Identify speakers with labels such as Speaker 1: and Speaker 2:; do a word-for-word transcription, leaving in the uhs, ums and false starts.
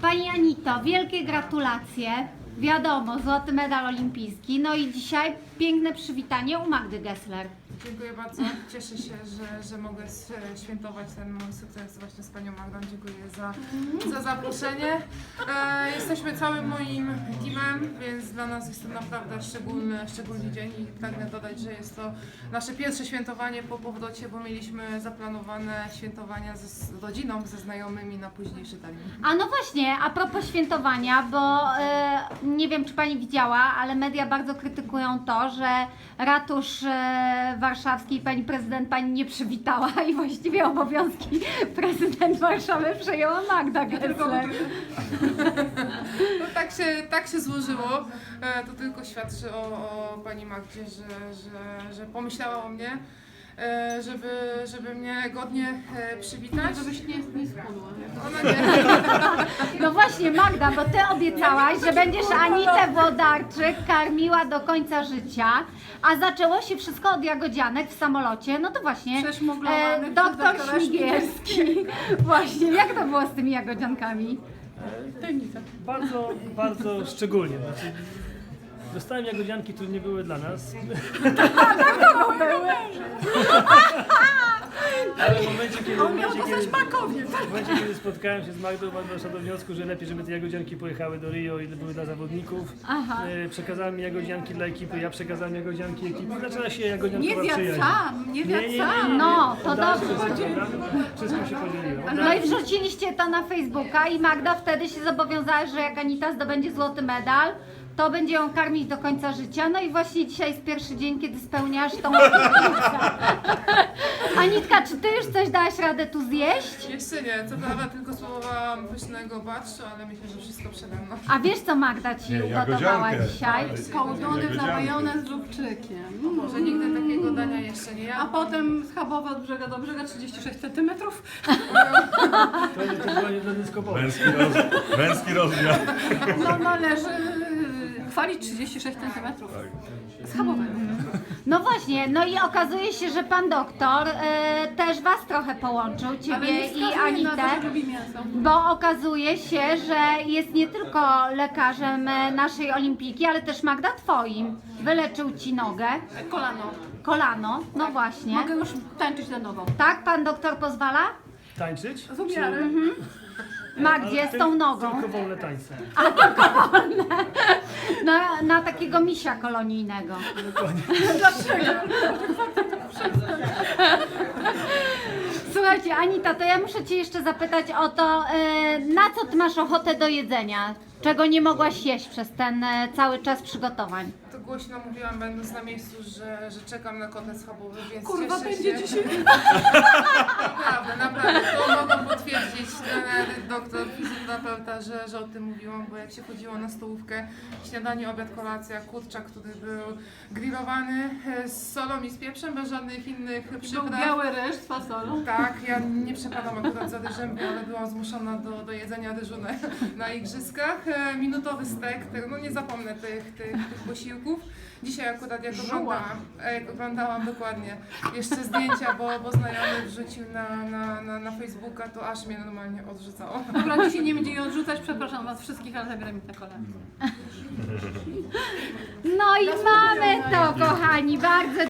Speaker 1: Pani Anito, wielkie gratulacje. Wiadomo, złoty medal olimpijski. No i dzisiaj piękne przywitanie u Magdy Gessler.
Speaker 2: Dziękuję bardzo. Cieszę się, że, że mogę świętować ten mój sukces właśnie z Panią Magdą. Dziękuję za, za zaproszenie. E, jesteśmy całym moim teamem, więc dla nas jest to naprawdę szczególny, szczególny dzień i pragnę dodać, że jest to nasze pierwsze świętowanie po powrocie, bo mieliśmy zaplanowane świętowania ze, z rodziną, ze znajomymi na późniejszy termin.
Speaker 1: A no właśnie, a propos świętowania, bo e, nie wiem, czy Pani widziała, ale media bardzo krytykują to, że ratusz e, warszawski Pani prezydent Pani nie przywitała i właściwie obowiązki prezydent Warszawy przejęła Magda Gessler.
Speaker 2: No, tak, się, tak się złożyło. E, to tylko świadczy o, o Pani Magdzie, że, że, że pomyślała o mnie. E, żeby, żeby mnie godnie e, przywitać.
Speaker 3: Żebyś nie, nie schudła.
Speaker 2: Ona nie.
Speaker 1: No właśnie Magda, bo Ty obiecałaś, że będziesz Anitę Włodarczyk karmiła do końca życia, a zaczęło się wszystko od jagodzianek w samolocie, no to właśnie
Speaker 3: Przeszmuglowanych przez
Speaker 1: doktor
Speaker 3: doktora
Speaker 1: Śmigielski. Właśnie, jak to było z tymi jagodziankami?
Speaker 3: Tajemnica.
Speaker 4: Bardzo, bardzo szczególnie. Znaczy, dostałem jagodzianki, które nie były dla nas. Ale w momencie, kiedy, w momencie, kiedy, w momencie, kiedy spotkałem się z Magdą, Magda doszła do wniosku, że lepiej, żeby te jagodzianki pojechały do Rio i były dla zawodników.
Speaker 1: Aha.
Speaker 4: E, Przekazałem mi jagodzianki dla ekipy, ja przekazałem jagodzianki ekipy. Zaczęła się
Speaker 3: Nie
Speaker 4: jagodziankowa
Speaker 3: zjadł
Speaker 4: przyjaźń.
Speaker 3: sam, nie zjadł sam.
Speaker 1: No, to
Speaker 4: Oddałem
Speaker 1: dobrze.
Speaker 4: Wszystko, prawda? Wszystko się podzieliło.
Speaker 1: No i wrzuciliście to na Facebooka i Magda wtedy się zobowiązała, że jak Anita zdobędzie złoty medal, to będzie ją karmić do końca życia. No i właśnie dzisiaj jest pierwszy dzień, kiedy spełniasz tą obietnicę. Anitka, czy Ty już coś dałaś radę tu zjeść?
Speaker 2: Jeszcze nie, co prawda tylko spróbowałam pysznego barszczu, ale myślę, że wszystko przede mną.
Speaker 1: A wiesz, co Magda Ci
Speaker 5: Nie,
Speaker 1: ugotowała
Speaker 5: jagodziankę.
Speaker 1: dzisiaj?
Speaker 3: Kołdony w
Speaker 5: Jagodzianki.
Speaker 3: majonez z lubczykiem.
Speaker 2: Może nigdy takiego dania jeszcze nie
Speaker 3: A
Speaker 2: jadłam.
Speaker 3: potem schabowa od brzega do brzega trzydzieści sześć centymetrów.
Speaker 4: To nie to była nie dla dyskopowa.
Speaker 5: Męski, roz, męski rozmiar.
Speaker 3: No należy yy, chwalić trzydzieści sześć centymetrów. Schabowego.
Speaker 1: No właśnie, no i okazuje się, że Pan doktor e, też Was trochę połączył,
Speaker 3: Ale
Speaker 1: Ciebie
Speaker 3: nie
Speaker 1: i
Speaker 3: wskazuje na
Speaker 1: Anitę.
Speaker 3: to, że lubi mięso.
Speaker 1: Bo okazuje się, że jest nie tylko lekarzem e, naszej olimpijki, ale też Magda Twoim. Wyleczył Ci nogę,
Speaker 3: Kolano.
Speaker 1: kolano, no właśnie.
Speaker 3: Mogę już tańczyć na nowo.
Speaker 1: Tak, Pan doktor pozwala?
Speaker 4: Tańczyć?
Speaker 3: Z umiarem.
Speaker 1: Magdzie,
Speaker 4: Ale
Speaker 1: z tą
Speaker 4: tyl-
Speaker 1: nogą.
Speaker 4: Tylko wolne tańce.
Speaker 1: Na, na takiego misia kolonijnego. Słuchajcie, Anita, to ja muszę Cię jeszcze zapytać o to, e, na co Ty masz ochotę do jedzenia? Czego nie mogłaś jeść przez ten e, cały czas przygotowań?
Speaker 2: To głośno mówiłam, będąc na miejscu, że, że czekam na kotlet schabowy, więc
Speaker 3: Kurwa,
Speaker 2: cieszę
Speaker 3: będzie
Speaker 2: się.
Speaker 3: dzisiaj.
Speaker 2: Naprawdę, naprawdę, to mogą potwierdzić trener, doktor, fizjoterapeuta, że, że o tym mówiłam, bo jak się chodziło na stołówkę, śniadanie, obiad, kolacja, kurczak, który był grillowany e, z solą i z pieprzem, bez żadnych innych
Speaker 3: Był
Speaker 2: przypraw.
Speaker 3: biały ryż z fasolą.
Speaker 2: Tak, ja nie przepadam akurat za ryżem, ale byłam zmuszona do, do jedzenia ryżu na, na igrzyskach. E, minutowy stek, tego, no nie zapomnę tych, tych, tych posiłków. Dzisiaj akurat jak oglądałam, e, jak oglądałam dokładnie jeszcze zdjęcia, bo, bo znajomy wrzucił na, na, na, na Facebooka, to aż mnie normalnie odrzucało.
Speaker 3: Dobra, dzisiaj nie będzie jej odrzucać, przepraszam was wszystkich, ale zabieram mi te kolano.
Speaker 1: No i mamy to, kochani, bardzo